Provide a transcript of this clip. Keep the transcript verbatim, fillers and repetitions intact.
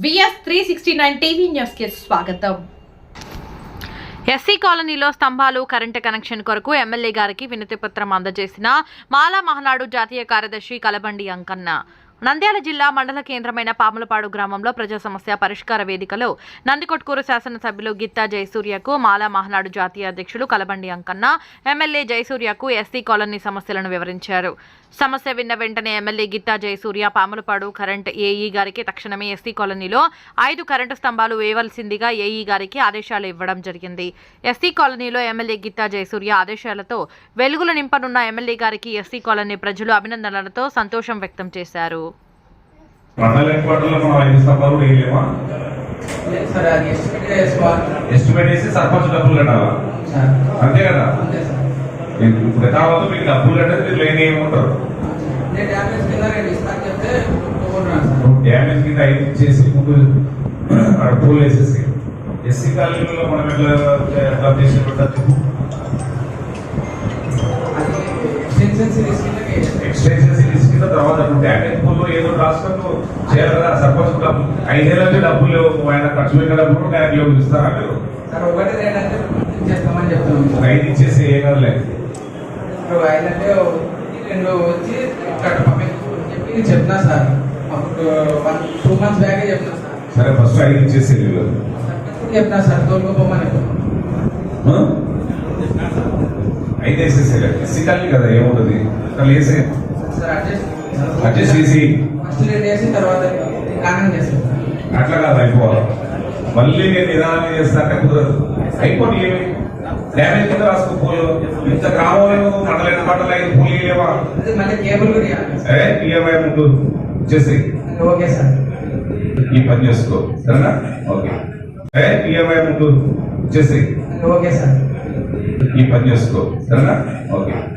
VS three sixty nine TV news కి స్వాగతం. SC కాలనీలో స్తంభాలు కరెంటు కనెక్షన్ కొరకు ఎమ్మెల్యే గారికి వినతి పత్రం అందజేసిన మాలా మహనాడు జాతీయ కార్యదర్శి కలబండి అంకన్న. నంద్యాల జిల్లా మండల కేంద్రమైన పాములపాడు గ్రామంలో ప్రజా సమస్య పరిష్కార వేదికలో నందికొట్కూరు శాసనసభ్యులు గిత్తా జయసూర్యకు మాలా మహనాడు జాతీయ అధ్యక్షులు కలబండి అంకన్న ఎమ్మెల్యే జయసూర్యకు ఎస్సీ కాలనీ సమస్యలను వివరించారు. సమస్య విన్న వెంటనే MLA Gitta Jayasurya Pamulapadu current AE గారికి తక్షణమే ఎస్సీ కాలనీలో ఐదు కరెంటు స్తంభాలు వేయవలసిందిగా ఏఈ గారికి ఆదేశాలు ఇవ్వడం జరిగింది. ఎస్సీ కాలనీలో ఎమ్మెల్యే గిత్తా జయసూర్య ఆదేశాలతో వెలుగులు నింపనున్న ఎమ్మెల్యే గారికి ఎస్సీ కాలనీ ప్రజలు అభినందనలతో సంతోషం వ్యక్తం చేశారు. ఇప్పుడు కావాలి మీకు డబ్బులు అంటే మీరు లేని ఏమంటారు డ్యామేజ్ కింద ఐదు చేసి ముందు అక్కడ పూలు వేసేసి ఎస్సీ కాలనీలో మనం ఎట్లా ఎట్లా చేసి పెట్టచ్చు. ఎక్స్టెన్షన్ సిరీస్ కింద తర్వాత డ్యామేజ్ పూలు ఏదో రాసుకుంటూ చేయాలి కదా. సర్పంచ్ డబ్బులు ఐదేళ్ళ నుంచి డబ్బులు ఆయన ఖర్చు పెట్టిన డబ్బులు బ్యాంకులో ఇస్తారా మీరు ఐదు ఇచ్చేసి ఏ కదలేదు ఆయనంటే రెండు వచ్చి చెప్పి చెప్తున్నా సార్. అప్పుడు వన్ టూ మంత్స్ బ్యాగే చెప్తున్నా సార్. సరే ఫస్ట్ ఐదు ఇచ్చేసి చెప్తున్నా సార్ తోలుకోపోమని ఐదు వేసేసే ఎస్సీ కదా ఏముంటుంది అక్కడ వేసే సార్ అడ్జస్ట్ అడ్జస్ట్ చేసి ఫస్ట్ రెండు వేసిన తర్వాత కారణం చేస్తాను. అట్లా కాదు అయిపోవాలి. మళ్ళీ నేను నిదానం చేస్తానంటే కుదరదు. అయిపోయి ఏమి డ్యామేజ్ కింద రాసుకో పూలు ఇంత గ్రామంలో మండలైన మండలం ఐదు పూలు ఇవ్వలేవా? మళ్ళీ కేబుల్ సరే ఈఎంఐ ముందు చేసి ఓకే సార్ ఈ పని చేసుకో సరేనా. ఓకే సరే ఈఎంఐ ముందు చేసి ఓకే సార్ ఈ పని చేసుకో సరేనా. ఓకే.